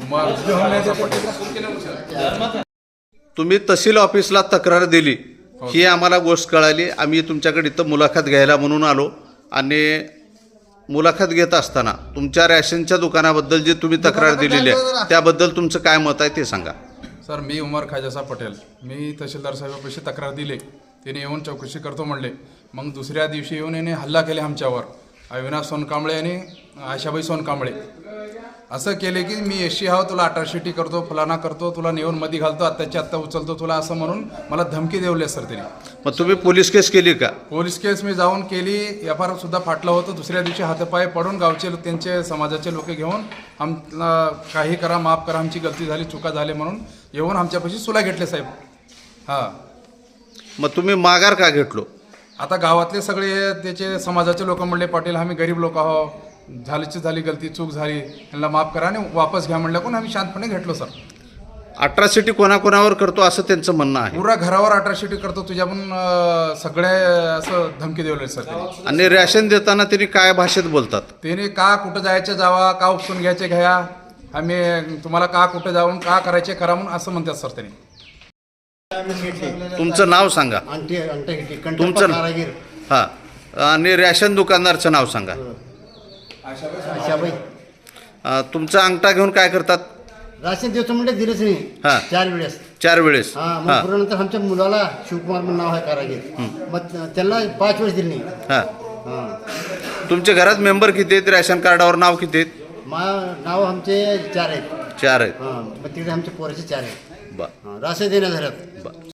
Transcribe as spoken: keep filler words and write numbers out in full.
तुम्ही तहसील ऑफिसला तक्रार दिली ही आम्हाला गोष्ट कळाली. आम्ही तुमच्याकडे इथं मुलाखत घ्यायला म्हणून आलो आणि मुलाखत घेत असताना तुमच्या रॅशनच्या दुकानाबद्दल जी तुम्ही तक्रार दिलेली आहे त्याबद्दल तुमचं काय मत आहे ते सांगा. सर, मी उमर खाजासा पटेल, मी तहसीलदार साहेबांपाशी तक्रार दिली. त्याने येऊन चौकशी करतो म्हणले. मग दुसऱ्या दिवशी येऊन याने हल्ला केले आमच्यावर. अविनाश सोनकांबळे आणि आशाबाई सोनकांबळे असं केले की मी एसशी हाव, तुला अट्रॉसिटी करतो, फलाना करतो, तुला नेऊन मध्ये घालतो, आत्ताच्या आत्ता उचलतो तुला, असं म्हणून मला धमकी देवले सर त्यांनी. मग तुम्ही पोलीस केस केली का? पोलीस केस मी जाऊन केली. एफ आय आर सुद्धा फाटलं होतं. दुसऱ्या दिवशी हातपाय पडून गावचे त्यांचे समाजाचे लोक घेऊन आम काही करा, माफ करा, आमची गलती झाली, चुका झाली म्हणून येऊन आमच्यापाशी सुला घेतले साहेब. हां, मग तुम्ही माघार का घेतलो? आता गावातले सगळे त्याचे समाजाचे लोक म्हणले, पाटील आम्ही गरीब लोक आहो, झालीची झाली गलती, चूक झाली, यांना माफ करा आणि वापस घ्या म्हणलं कोण आम्ही शांतपणे घेतलो सर. अट्रॉसिटी कोणाकोणावर करतो असं त्यांचं म्हणणं आहे. पुरा घरावर अट्रॉसिटी करतो तुझ्या पण सगळे असं धमकी देवले सर त्यांनी. आणि रॅशन देताना त्यांनी काय भाषेत बोलतात? त्याने का कुठं जायचं जावा, का उपसून घ्यायचे घ्या, आम्ही तुम्हाला का कुठं जाऊन का करायचे करा म्हणून असं म्हणतात सर त्यांनी. तुमचं नाव सांगा. तुमचं हां, आणि रॅशन दुकानदारचं नाव सांगा. अं, तुमचा अंगठा घेऊन काय करतात? राशन देतो म्हणजे दिलंच नाही. हां, चार वेळेस चार वेळेस हा. मग नंतर आमच्या मुलाला शिवकुमार म्हणून नाव आहे कारागीर, मग त्यांना पाच वेळेस दिली नाही. हां, हां, तुमच्या घरात मेंबर किती आहेत? रॅशन कार्डावर नाव किती आहेत? मा नाव आमचे चार आहेत. चार आहेत. हां, मग तिकडे आमच्या पोराचे चार आहेत. बरं राशन देण्या घरात. बरं.